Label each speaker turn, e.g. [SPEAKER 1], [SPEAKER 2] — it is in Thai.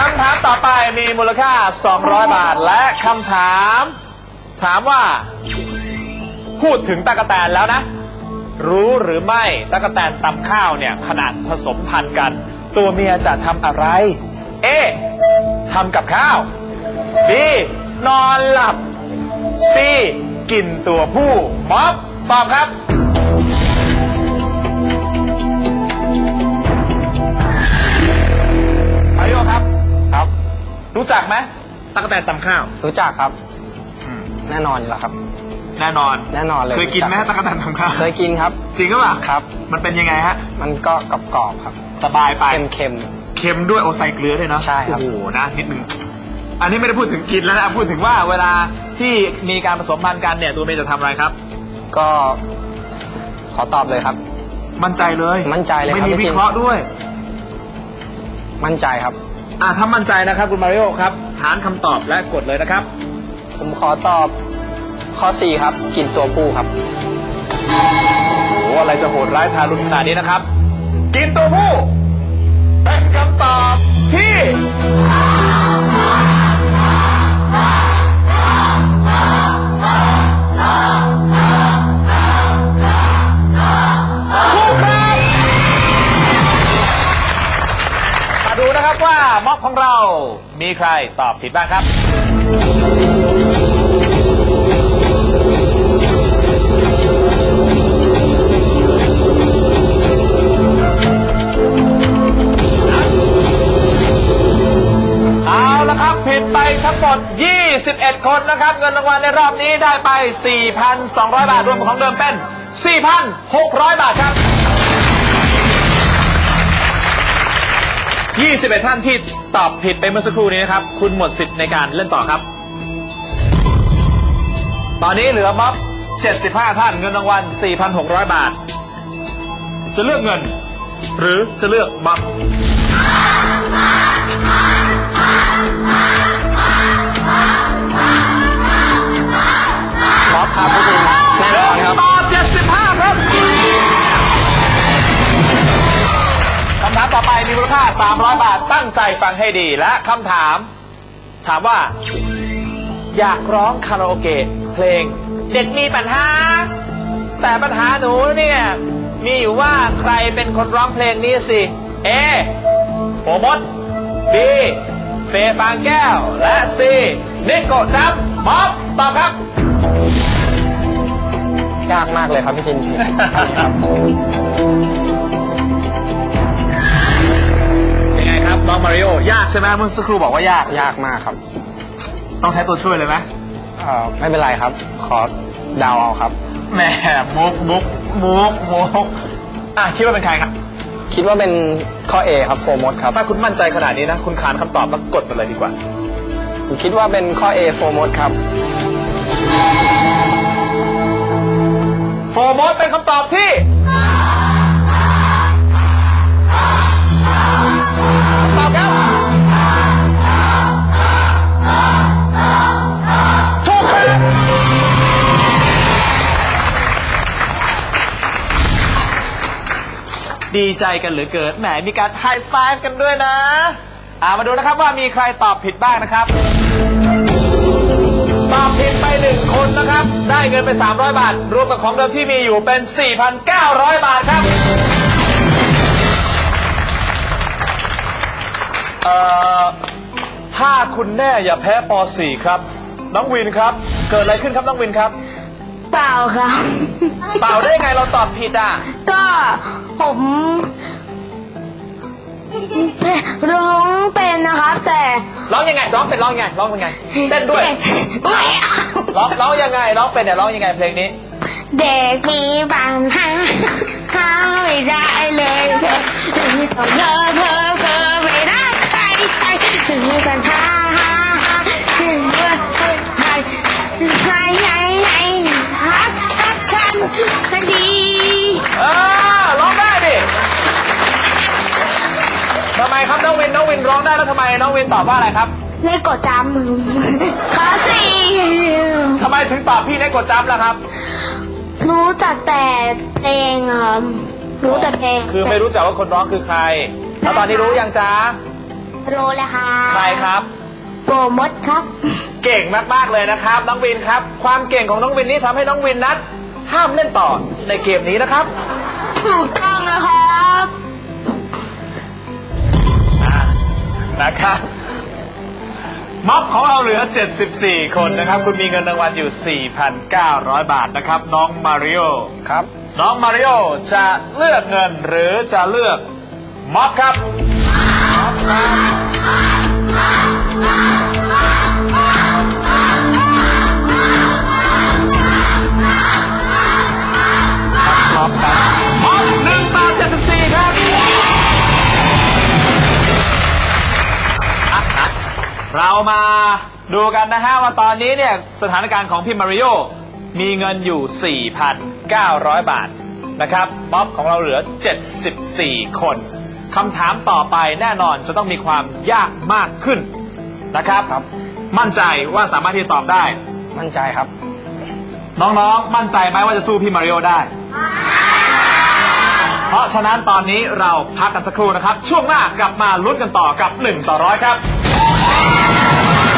[SPEAKER 1] ำถามต่อไปมีมูลค่า200 บาทและคำถามถามว่าพูดถึงตั๊กแตนแล้วนะรู้หรือไม่ตั๊กแตนตำข้าวเนี่ยขนาดผสมพันธุ์กันตัวเมียจะทำอะไร A ทำกับข้าว B นอนหลับ C กินตัวผู้ม็อบตอบครับมาริโอครับครับรู้จักไหมตั๊กแตนตำข้าว
[SPEAKER 2] รู้จักครับแน่นอนอยู่แล้วครับ
[SPEAKER 1] แน่นอน
[SPEAKER 2] แน่นอนเลย
[SPEAKER 1] เคยกินไหมตั๊กแตนตำข้าว
[SPEAKER 2] เคยกินครับ
[SPEAKER 1] จริงหรือเปล่า
[SPEAKER 2] ครับ
[SPEAKER 1] มันเป็นยังไงฮะ
[SPEAKER 2] มันก็กรอบๆครับ
[SPEAKER 1] สบายไป
[SPEAKER 2] เค็ม
[SPEAKER 1] เค็มด้วยโอใส่เกลือด้วยเนาะ
[SPEAKER 2] ใช่ครับ
[SPEAKER 1] โอ้โหนะนิดนึงอันนี้ไม่ได้พูดถึงกินแล้วนะพูดถึงว่าเวลาที่มีการผสมพันธุ์กันเนี่ยตัวเมียจะทำอะไรครับ
[SPEAKER 2] ๆก็ขอตอบเลยครับ
[SPEAKER 1] มั่นใจเลย
[SPEAKER 2] มั่นใจเลยครับ
[SPEAKER 1] ไม่มี
[SPEAKER 2] พี่
[SPEAKER 1] วิ
[SPEAKER 2] จิน
[SPEAKER 1] เคราะห์ด้วย
[SPEAKER 2] มั่นใจครับ
[SPEAKER 1] ถ้ามั่นใจนะครับคุณมาริโอครับฐานคำตอบและกดเลยนะครับ
[SPEAKER 2] ผมขอตอบข้อ 4 ครับ กินตัวผู้ครับ
[SPEAKER 1] โอ้โหอะไรจะโหดร้ายทารุณขนาดนี้นะครับ กินตัวผู้เป็นคำตอบที่ถูกครับมาดูนะครับว่าม็อบของเรามีใครตอบผิดบ้างครับเอาละครับผิดไปทั้งหมด21 คนนะครับเงินรางวัลในรอบนี้ได้ไป 4,200 บาทรวมของเดิมเป็น 4,600 บาทครับ21 ท่านที่ตอบผิดไปเมื่อสักครู่นี้นะครับคุณหมดสิทธิ์ในการเล่นต่อครับตอนนี้เหลือม็อบ75 ท่านเงินรางวัล 4,600 บาทจะเลือกเงินหรือจะเลือกม็อบ
[SPEAKER 2] ม็อบครับพี่จินแน่นอนครับ
[SPEAKER 1] ต่อ75 ครับคำถามต่อไปมีมูลค่า300 บาทตั้งใจฟังให้ดีและคำถามถามว่าอยากร้องคาราโอเกะเพลงเด็กมีปัญหาแต่ปัญหาหนูเนี่ยมีอยู่ว่าใครเป็นคนร้องเพลงนี้สิ A โฟมด B เฟย์ฟางแก้วและ C นิโกะจับม็อบตอบครับ
[SPEAKER 2] ยากมากเลยครับพี่จิน
[SPEAKER 1] ยังไงครับน้องมาริโอยากใช่ไหมเมื่อสักครู่บอกว่ายาก
[SPEAKER 2] ยากมากครับ
[SPEAKER 1] ต้องใช้ตัวช่วยเลยไหม
[SPEAKER 2] ไม่เป็นไรครับ ขอเดาเอาครับ
[SPEAKER 1] แหมมุกคิดว่าเป็นใครครับ
[SPEAKER 2] คิดว่าเป็นข้อ A ครับโฟมดครับ
[SPEAKER 1] ถ้าคุณมั่นใจขนาดนี้นะคุณขานคำตอบแล้วกดไปเลยดีกว่า
[SPEAKER 2] ผมคิดว่าเป็นข้อ A โฟมดครับ
[SPEAKER 1] โฟมอสเป็นคำตอบที่ตอบครับถูกครับดีใจกันเหลือเกินแหมมีการไฮไฟว์กันด้วยนะมาดูนะครับว่ามีใครตอบผิดบ้างนะครับตอบผิดไป1 คนนะครับได้เงินไป300 บาทรวมกับของเดิมที่มีอยู่เป็น 4,900 บาทครับถ้าคุณแน่อย่าแพ้ป .4 ครับน้องวินครับเกิดอะไรขึ้นครับน้องวินครับ
[SPEAKER 3] เปล่าครับ
[SPEAKER 1] เปล่าได้ไงเราตอบผิดอ่ะ
[SPEAKER 3] ก็ผมร้องเป็นนะครับแต่
[SPEAKER 1] ร้องยังไงร้องเป็นร้องยังไงร้องยังไงเต้นด้วย
[SPEAKER 3] ไม่เอา
[SPEAKER 1] ร้องยังไงร้องเป็นเนี่ยร้องยังไงเพลงนี้
[SPEAKER 3] เด็กมีปัญหาหาไม่ได้เลยเธอไม่ได้ใครมีปัญหาฮักฉันคดี
[SPEAKER 1] ร้องได้ดิทำไมครับน้องวินร้องได้แล้วทำไมน้องวินตอบว่าอะไรครับ
[SPEAKER 3] ไม่กดจำข้อ 4
[SPEAKER 1] ทำไมถึงตอบพี่ได้กดจับล่ะครับ
[SPEAKER 3] รู้จักแต่เพลงครับรู้แต่เพลง
[SPEAKER 1] คือไม่รู้จักว่าคนร้องคือใครแล้วตอนนี้รู้ยังจ๊ะ
[SPEAKER 3] โรเลยค่ะ
[SPEAKER 1] ใครครับ
[SPEAKER 3] โปรมดครับ
[SPEAKER 1] เก่งมากๆเลยนะครับน้องวินครับ ความเก่งของน้องวินนี้ทำให้น้องวินนั้นห้ามเล่นต่อในเกมนี้นะครับ
[SPEAKER 3] ถูกต้องนะครับ
[SPEAKER 1] นะครับม็อบของเราเหลือ 74 คนนะครับ คุณมีเงินรางวัลอยู่ 4,900 บาทนะครับ น้องมาริโอ
[SPEAKER 2] ครับ
[SPEAKER 1] น้องมาริโอจะเลือกเงินหรือจะเลือกม็อบครับม็อบครับม็อบครับม็อบ1 ต่อ 74 ครับ เรามาดูกันนะฮะว่าตอนนี้เนี่ยสถานการณ์ของพี่มาริโอมีเงินอยู่ 4,900 บาทนะครับม็อบของเราเหลือ 74 คนคำถามต่อไปแน่นอนจะต้องมีความยากมากขึ้นนะครับ มั่นใจว่าสามารถที่จะตอบได้
[SPEAKER 2] มั่นใจครับ
[SPEAKER 1] น้องๆมั่นใจไหมว่าจะสู้พี่มาริโอได้ เพราะฉะนั้นตอนนี้เราพักกันสักครู่นะครับช่วงหน้ากลับมาลุ้นกันต่อกับ1 ต่อ 100 ครับ